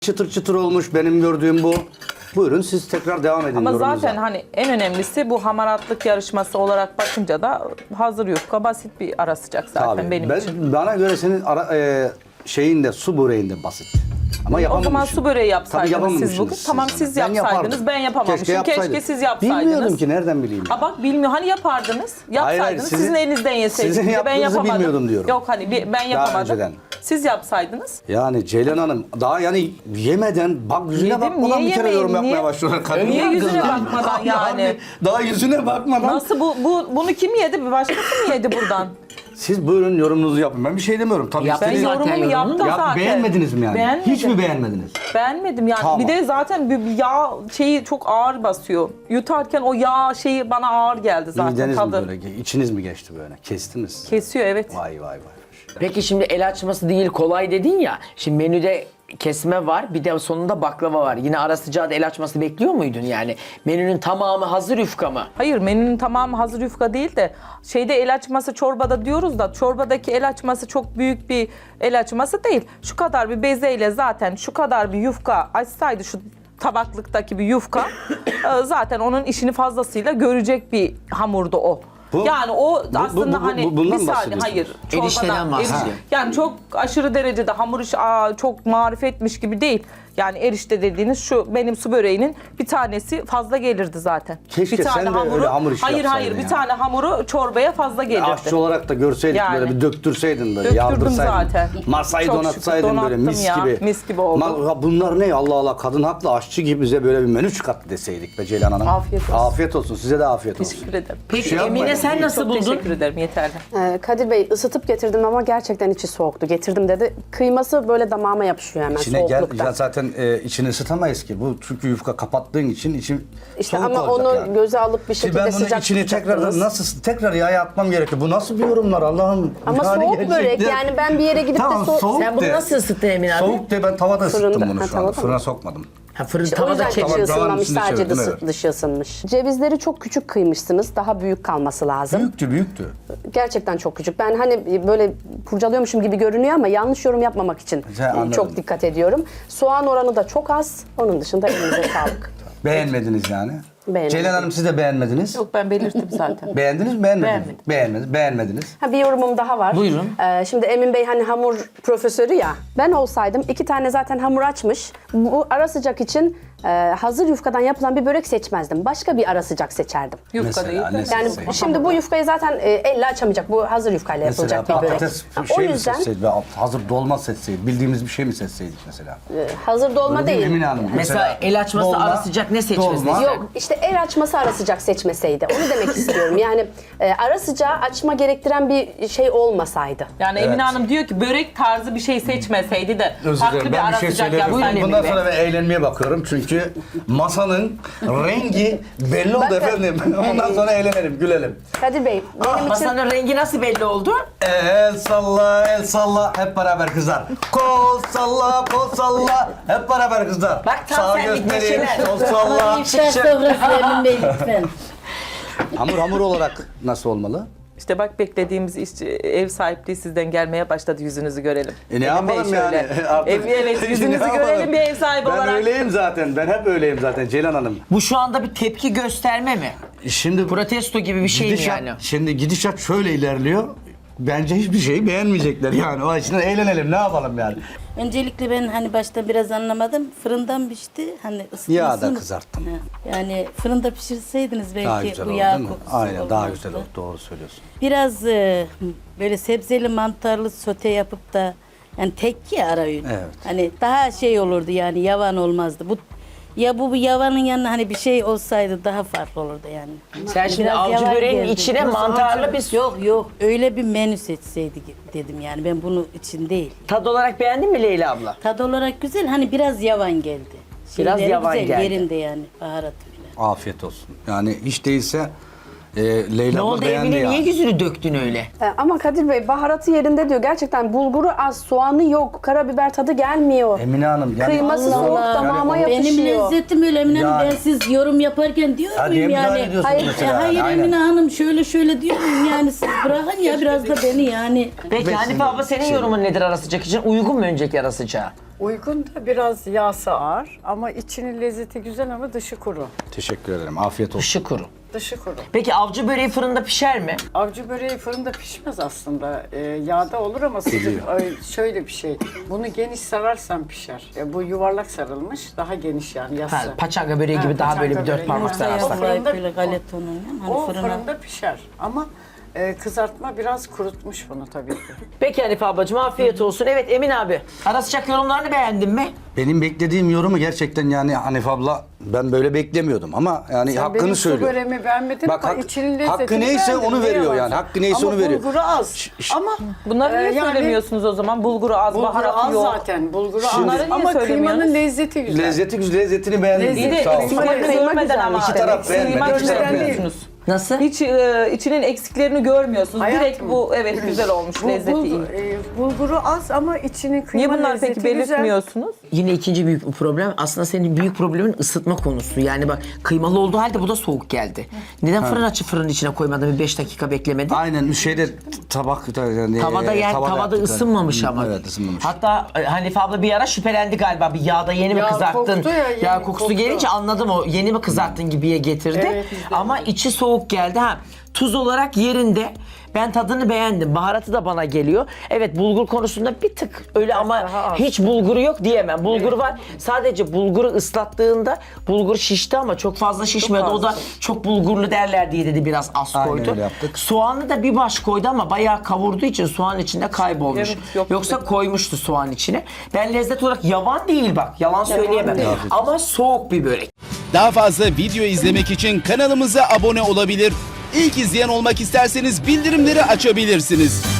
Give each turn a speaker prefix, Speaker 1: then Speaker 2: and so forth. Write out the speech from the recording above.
Speaker 1: Çıtır çıtır olmuş benim gördüğüm bu. Buyurun siz tekrar devam edin
Speaker 2: Ama
Speaker 1: yorumunuza.
Speaker 2: zaten hani en önemlisi bu hamaratlık yarışması olarak bakınca da hazır yufka basit bir ara sıcak zaten
Speaker 1: Tabii.
Speaker 2: benim için.
Speaker 1: Bana göre senin şeyinde su böreğinde basit. Ama
Speaker 2: O
Speaker 1: yapamamışsın.
Speaker 2: zaman su böreği yapsaydınız
Speaker 1: Tabii
Speaker 2: siz bugün. Tamam siz
Speaker 1: Ben
Speaker 2: yapsaydınız
Speaker 1: yapardım.
Speaker 2: ben yapamamışım. Keşke siz yapsaydınız.
Speaker 1: Bilmiyordum ki nereden bileyim.
Speaker 2: Ha bak bilmiyor hani yapardınız.
Speaker 1: Hayır,
Speaker 2: Yapsaydınız
Speaker 1: sizin-
Speaker 2: sizin elinizden yeseydiniz.
Speaker 1: sizin
Speaker 2: Ben
Speaker 1: yaptığınızı
Speaker 2: yapamadım.
Speaker 1: bilmiyordum diyorum.
Speaker 2: Yok hani ben yapamadım.
Speaker 1: önceden.
Speaker 2: Siz yapsaydınız.
Speaker 1: Yani Ceylan Hanım daha yani yemeden bak yüzüne
Speaker 2: Yedim,
Speaker 1: bakmadan
Speaker 2: niye
Speaker 1: bir kere
Speaker 2: yemeyeyim,
Speaker 1: yorum yapmaya
Speaker 2: niye?
Speaker 1: başlıyorlar. Kadınlar
Speaker 2: Niye yüzüne
Speaker 1: kızlar.
Speaker 2: bakmadan yani?
Speaker 1: Daha yüzüne bakmadan.
Speaker 2: Nasıl bunu kim yedi? Bir başkası mı yedi buradan?
Speaker 1: Siz buyurun yorumunuzu yapın. Ben bir şey demiyorum. Tabii
Speaker 3: Yaptın
Speaker 2: Ben
Speaker 1: istediğiniz-
Speaker 3: zaten
Speaker 2: yorumumu
Speaker 3: yorumunu.
Speaker 2: yaptım
Speaker 1: Ya,
Speaker 2: zaten.
Speaker 1: beğenmediniz mi yani?
Speaker 2: Beğenmedim.
Speaker 1: Hiç mi beğenmediniz?
Speaker 2: Beğenmedim yani.
Speaker 1: Tamam.
Speaker 2: Bir de zaten bir yağ şeyi çok ağır basıyor. Yutarken o yağ şeyi bana ağır geldi zaten
Speaker 1: Mideniz mi
Speaker 2: tadı.
Speaker 1: böyle? İçiniz mi geçti böyle? Kestiniz.
Speaker 2: Kesiyor evet.
Speaker 1: Vay vay vay.
Speaker 3: Peki şimdi el açması değil kolay dedin ya. Şimdi menüde kesme var bir de sonunda baklava var. Yine ara sıcağı da el açması bekliyor muydun yani? Menünün tamamı hazır yufka mı?
Speaker 2: Hayır menünün tamamı hazır yufka değil de şeyde el açması çorbada diyoruz da çorbadaki el açması çok büyük bir el açması değil. Şu kadar bir bezeyle zaten şu kadar bir yufka açsaydı şu tabaklıktaki bir yufka zaten onun işini fazlasıyla görecek bir hamurdu o.
Speaker 1: Bu-
Speaker 2: Yani o aslında hani
Speaker 1: bundan
Speaker 2: bir
Speaker 1: mı
Speaker 2: saniye hayır
Speaker 1: bahsediyorsunuz?
Speaker 3: Erişteden bahsediyor.
Speaker 2: yani çok aşırı derecede hamur işi çok marifetmiş gibi değil. Yani erişte dediğiniz şu benim su böreğinin bir tanesi fazla gelirdi zaten.
Speaker 1: Keşke
Speaker 2: bir tane
Speaker 1: sen de öyle hamur işi
Speaker 2: hayır
Speaker 1: yapsaydın
Speaker 2: bir
Speaker 1: ya.
Speaker 2: tane hamuru çorbaya fazla gelirdi.
Speaker 1: Aşçı olarak da görseydik
Speaker 2: Yani.
Speaker 1: böyle bir döktürseydin böyle
Speaker 2: Döktürdüm
Speaker 1: yardırsaydın.
Speaker 2: zaten.
Speaker 1: Masayı
Speaker 2: Çok
Speaker 1: donatsaydın
Speaker 2: şükür
Speaker 1: böyle mis
Speaker 2: donattım ya,
Speaker 1: gibi.
Speaker 2: mis gibi oldu.
Speaker 1: Bunlar ne Allah Allah kadın haklı aşçı gibi bize böyle bir menü çıkarttı deseydik be Ceylan Hanım.
Speaker 2: Afiyet olsun.
Speaker 1: Afiyet olsun size de afiyet olsun.
Speaker 2: Teşekkür ederim.
Speaker 3: Peki
Speaker 1: şey
Speaker 3: Emine
Speaker 1: yapmayın.
Speaker 3: sen nasıl
Speaker 2: Çok
Speaker 3: buldun?
Speaker 2: teşekkür ederim yeterli.
Speaker 4: Kadir Bey ısıtıp getirdim ama gerçekten içi soğuktu. Getirdim dedi. Kıyması böyle damağıma yapışıyor hemen
Speaker 1: İçine gel,
Speaker 4: soğukluktan.
Speaker 1: ya zaten içini ısıtamayız ki. Bu çünkü yufka kapattığın için içi
Speaker 4: İşte
Speaker 1: soğuk
Speaker 4: ama
Speaker 1: olacak
Speaker 4: onu
Speaker 1: yani.
Speaker 4: göze alıp bir
Speaker 1: Şimdi
Speaker 4: şekilde
Speaker 1: ben bunun
Speaker 4: sıcak
Speaker 1: içini tekrardan
Speaker 4: tutacaktınız.
Speaker 1: tekrar yağa atmam gerekiyor. Bu nasıl bir yorumlar Allah'ım?
Speaker 4: Ama
Speaker 1: Yani
Speaker 4: soğuk
Speaker 1: gerçekten-
Speaker 4: börek yani ben bir yere gidip
Speaker 1: Tamam,
Speaker 4: de soğuk...
Speaker 1: soğuk
Speaker 3: Sen bunu
Speaker 1: de.
Speaker 3: nasıl ısıttın Emine abi?
Speaker 1: Soğuk de ben tavada ısıttım
Speaker 4: Fırında.
Speaker 1: bunu
Speaker 4: Ha,
Speaker 1: şu anda.
Speaker 4: tavada mı?
Speaker 1: Fırına sokmadım.
Speaker 3: Ha, fırın
Speaker 4: O
Speaker 3: tavada
Speaker 4: yüzden
Speaker 3: çekti.
Speaker 4: içi
Speaker 1: tavanın
Speaker 4: ısınmamış,
Speaker 1: içinde
Speaker 4: sadece
Speaker 1: çevirdim, evet.
Speaker 4: dışı ısınmış. Cevizleri çok küçük kıymışsınız. Daha büyük kalması lazım.
Speaker 1: Büyüktü.
Speaker 4: Gerçekten çok küçük. Ben hani böyle kurcalıyormuşum gibi görünüyor ama yanlış yorum yapmamak için
Speaker 1: Anladım.
Speaker 4: çok dikkat ediyorum. Soğan oranı da çok az. Onun dışında elinize sağlık.
Speaker 1: Beğenmediniz yani.
Speaker 4: Beğenmedim.
Speaker 1: Ceylan Hanım siz de beğenmediniz.
Speaker 2: Yok ben belirttim zaten.
Speaker 1: Beğendiniz mi? Beğenmediniz.
Speaker 2: Beğenmedim.
Speaker 1: Beğenmediniz.
Speaker 4: Ha, bir yorumum daha var.
Speaker 3: Buyurun.
Speaker 4: Şimdi Emin Bey hani hamur profesörü ya. Ben olsaydım 2 tane zaten hamur açmış. Bu ara sıcak için hazır yufkadan yapılan bir börek seçmezdim. Başka bir ara sıcak seçerdim.
Speaker 2: Yufka
Speaker 1: Mesela
Speaker 2: değil de.
Speaker 1: ne
Speaker 4: Yani
Speaker 1: seçseydin?
Speaker 4: şimdi bu yufkayı zaten elle açamayacak. Bu hazır yufkayla
Speaker 1: Mesela
Speaker 4: yapılacak bir börek.
Speaker 1: patates
Speaker 4: Ha,
Speaker 1: şey
Speaker 4: o
Speaker 1: mi
Speaker 4: yüzden
Speaker 1: seçseydik? Hazır dolma seçseydik. Bildiğimiz bir şey mi seçseydik mesela?
Speaker 4: hazır dolma
Speaker 1: Öyle değil mi
Speaker 4: değil.
Speaker 1: Emine Hanım?
Speaker 3: Mesela el açması
Speaker 1: dolma,
Speaker 3: ara sıcak ne seçmesi?
Speaker 1: dolma.
Speaker 4: Yok işte el açması ara sıcak seçmeseydi. Onu demek istiyorum. Yani ara sıcağı açma gerektiren bir şey olmasaydı.
Speaker 2: Yani
Speaker 1: Evet.
Speaker 2: Emine Hanım diyor ki börek tarzı bir şey seçmeseydi de
Speaker 1: Özür
Speaker 2: farklı
Speaker 1: dilerim.
Speaker 2: bir
Speaker 1: Ben
Speaker 2: ara
Speaker 1: bir şey
Speaker 2: sıcak
Speaker 1: söyleyeyim.
Speaker 2: yapsaydı.
Speaker 1: Bundan sonra ben eğlenmeye bakıyorum. Çünkü masanın rengi belli oldu
Speaker 4: Bakın.
Speaker 1: efendim. Ondan sonra eğlenelim, gülelim.
Speaker 4: Kadir Bey benim için
Speaker 3: Masanın rengi nasıl belli oldu?
Speaker 1: El salla, el salla. Hep beraber kızlar. Kol salla, kol salla. Hep beraber kızlar.
Speaker 3: Bak tam
Speaker 1: Sağ
Speaker 3: senlik
Speaker 1: göstereyim,
Speaker 3: neşeler.
Speaker 1: sol salla.
Speaker 5: İftar sofrası Emin Bey lütfen.
Speaker 1: Hamur olarak nasıl olmalı?
Speaker 2: İşte bak beklediğimiz ev sahipliği sizden gelmeye başladı yüzünüzü görelim.
Speaker 1: Ne
Speaker 2: Emin Bey
Speaker 1: yapalım
Speaker 2: şöyle.
Speaker 1: yani? Artık-
Speaker 2: Evet yüzünüzü
Speaker 1: Ne yapalım?
Speaker 2: görelim bir ev sahibi
Speaker 1: Ben
Speaker 2: olarak.
Speaker 1: öyleyim zaten. Ben hep öyleyim zaten Ceylan Hanım.
Speaker 3: Bu şu anda bir tepki gösterme mi?
Speaker 1: Şimdi
Speaker 3: Protesto gibi bir şey mi
Speaker 1: gidişat,
Speaker 3: yani?
Speaker 1: Şimdi gidişat şöyle ilerliyor. Bence hiçbir şeyi beğenmeyecekler yani. O açıdan eğlenelim ne yapalım yani.
Speaker 5: Öncelikle ben hani başta biraz anlamadım. Fırından pişti. Hani ısıtmasını...
Speaker 1: Yağda kızarttım.
Speaker 5: Ha, yani fırında pişirseydiniz belki
Speaker 1: Daha güzel
Speaker 5: bu
Speaker 1: oldu
Speaker 5: yağ
Speaker 1: değil mi?
Speaker 5: kokusu
Speaker 1: Aynen daha
Speaker 5: olmazdı.
Speaker 1: güzel oldu. Doğru söylüyorsun.
Speaker 5: Biraz böyle sebzeli mantarlı sote yapıp da yani tek ya ara öğün.
Speaker 1: Evet.
Speaker 5: Hani daha şey olurdu yani yavan olmazdı. Bu yavanın yanına hani bir şey olsaydı daha farklı olurdu yani.
Speaker 3: Sen şimdi
Speaker 5: Biraz
Speaker 3: avcı
Speaker 5: yavan
Speaker 3: böreğin
Speaker 5: geldi.
Speaker 3: içine mantarlı bir
Speaker 5: Yok öyle bir menü seçseydik dedim yani ben bunu için değil.
Speaker 3: tad olarak beğendin mi Leyla abla?
Speaker 5: Tad olarak güzel hani biraz yavan geldi.
Speaker 3: Biraz
Speaker 5: Şeyleri
Speaker 3: yavan
Speaker 5: güzel,
Speaker 3: geldi.
Speaker 5: yerinde yani baharatı falan.
Speaker 1: Afiyet olsun. Yani hiç değilse Leyla
Speaker 3: Ne
Speaker 1: abla
Speaker 3: oldu
Speaker 1: beğendi
Speaker 3: Emine
Speaker 1: ya.
Speaker 3: niye yüzünü döktün öyle?
Speaker 4: ama Kadir Bey baharatı yerinde diyor. Gerçekten bulguru az, soğanı yok, karabiber tadı gelmiyor.
Speaker 1: Emine Hanım yani
Speaker 4: Kıyması
Speaker 5: Allah
Speaker 4: soğuk
Speaker 5: Allah.
Speaker 4: damağıma
Speaker 1: Yani
Speaker 5: Benim
Speaker 4: yapışıyor.
Speaker 5: lezzetim öyle Emine Hanım.
Speaker 1: Yani-
Speaker 5: Ben siz yorum yaparken diyor
Speaker 1: Ha,
Speaker 5: muyum
Speaker 1: diye müdahale
Speaker 5: yani?
Speaker 1: ediyorsun
Speaker 4: Hayır,
Speaker 1: mesela.
Speaker 5: Hayır
Speaker 1: Aynen.
Speaker 5: Emine Hanım şöyle diyor muyum yani siz bırakın ya biraz da beni yani.
Speaker 3: Peki Hanife abla senin yorumun nedir ara sıcak için? Uygun mu önceki ara sıcağı?
Speaker 6: Uygun da biraz yağsı ağır ama içinin lezzeti güzel ama dışı kuru.
Speaker 1: Teşekkür ederim. Afiyet olsun.
Speaker 3: Dışı kuru.
Speaker 6: Dışı kuru.
Speaker 3: Peki avcı böreği fırında pişer mi?
Speaker 6: Avcı böreği fırında pişmez aslında. Yağda olur ama sıcak. Şöyle bir şey. Bunu geniş sararsan pişer. Bu yuvarlak sarılmış. Daha geniş yani yassı.
Speaker 3: Ha, paçanga böreği gibi daha böyle bir
Speaker 6: paçanga
Speaker 3: dört
Speaker 6: böreği.
Speaker 3: parmak
Speaker 6: Yumurta
Speaker 3: sararsak.
Speaker 6: fırında-
Speaker 5: Böyle galeta unuyla hani
Speaker 6: O
Speaker 5: fırına.
Speaker 6: fırında pişer ama kızartma biraz kurutmuş bunu tabii ki.
Speaker 3: Peki Hanife ablacığım afiyet olsun. Evet Emin abi. Ara sıcak yorumlarını beğendin mi?
Speaker 1: Benim beklediğim yorumu gerçekten yani Hanife abla ben böyle beklemiyordum ama yani
Speaker 6: Sen
Speaker 1: hakkını
Speaker 6: benim su
Speaker 1: söylüyor.
Speaker 6: böreğimi beğenmedin
Speaker 1: Bak,
Speaker 6: ama
Speaker 1: hak-
Speaker 6: içinin lezzetini
Speaker 1: hakkı neyse
Speaker 6: beğendin,
Speaker 1: onu
Speaker 6: ne
Speaker 1: veriyor
Speaker 6: yalan
Speaker 1: yani.
Speaker 6: söyleyeyim.
Speaker 1: Hakkı neyse onu veriyor.
Speaker 6: Ama bulguru az. Ama
Speaker 2: Bunları niye
Speaker 6: yani
Speaker 2: söylemiyorsunuz o zaman? Bulguru az,
Speaker 6: bulguru
Speaker 2: baharatı
Speaker 6: az
Speaker 2: yok.
Speaker 6: zaten. Bulguru
Speaker 2: Bunları
Speaker 6: az.
Speaker 2: niye
Speaker 6: Ama
Speaker 2: söylemiyorsunuz?
Speaker 6: kıymanın lezzeti güzel.
Speaker 1: Lezzetini beğendim.
Speaker 6: Lezzeti-
Speaker 2: Bir de
Speaker 1: Sağ ol.
Speaker 2: eksiklerini
Speaker 6: Kıyma
Speaker 2: görmeden
Speaker 4: güzel
Speaker 2: ama.
Speaker 4: işte.
Speaker 1: İki taraf beğenmedi,
Speaker 2: Kıyma
Speaker 1: iki taraf
Speaker 2: görmüyorsunuz.
Speaker 3: Nasıl?
Speaker 2: Hiç içinin eksiklerini görmüyorsunuz.
Speaker 6: Hayatım.
Speaker 2: Direkt bu evet güzel olmuş, lezzeti iyi.
Speaker 6: Bulguru az ama içinin kıyma
Speaker 2: Niye bunlar
Speaker 6: lezzeti
Speaker 2: peki
Speaker 6: güzel.
Speaker 2: belirtmiyorsunuz?
Speaker 3: Yine ikinci büyük bir problem. Aslında senin büyük problemin ısıtma konusu. Yani bak kıymalı olduğu halde bu da soğuk geldi. Neden fırın açıp fırının içine koymadın? Bir 5 dakika beklemedin?
Speaker 1: Aynen şeyde tabak yani,
Speaker 3: Tavada tavada
Speaker 1: yaptık.
Speaker 3: ısınmamış
Speaker 1: Hı,
Speaker 3: ama.
Speaker 1: Evet ısınmamış.
Speaker 3: Hatta Hanife abla bir ara şüphelendi galiba. Bir yağda yeni mi
Speaker 6: Yağ
Speaker 3: kızarttın?
Speaker 6: koktu ya, yeni
Speaker 3: Yağ kokusu
Speaker 6: koktu.
Speaker 3: gelince anladım o. Yeni mi kızarttın gibiye getirdi.
Speaker 6: Evet, biz de
Speaker 3: ama içi soğuk geldi. Ha, tuz olarak yerinde. Ben tadını beğendim. Baharatı da bana geliyor. Evet bulgur konusunda bir tık öyle ama
Speaker 6: daha az.
Speaker 3: hiç bulguru yok diyemem. Bulgur var. Sadece bulguru ıslattığında bulgur şişti ama çok fazla şişmedi. O da çok bulgurlu derler diye dedi biraz az
Speaker 1: Aynen
Speaker 3: koydu.
Speaker 1: öyle yaptık.
Speaker 3: Soğanı da bir baş koydu ama bayağı kavurduğu için soğan içinde kaybolmuş.
Speaker 2: Evet, yok.
Speaker 3: Yoksa koymuştu soğan içine. Ben lezzet olarak yavan değil bak. Yalan söyleyemem.
Speaker 6: değil.
Speaker 3: Ama soğuk bir börek.
Speaker 7: Daha fazla video izlemek için kanalımıza abone olabilir. İlk izleyen olmak isterseniz bildirimleri açabilirsiniz.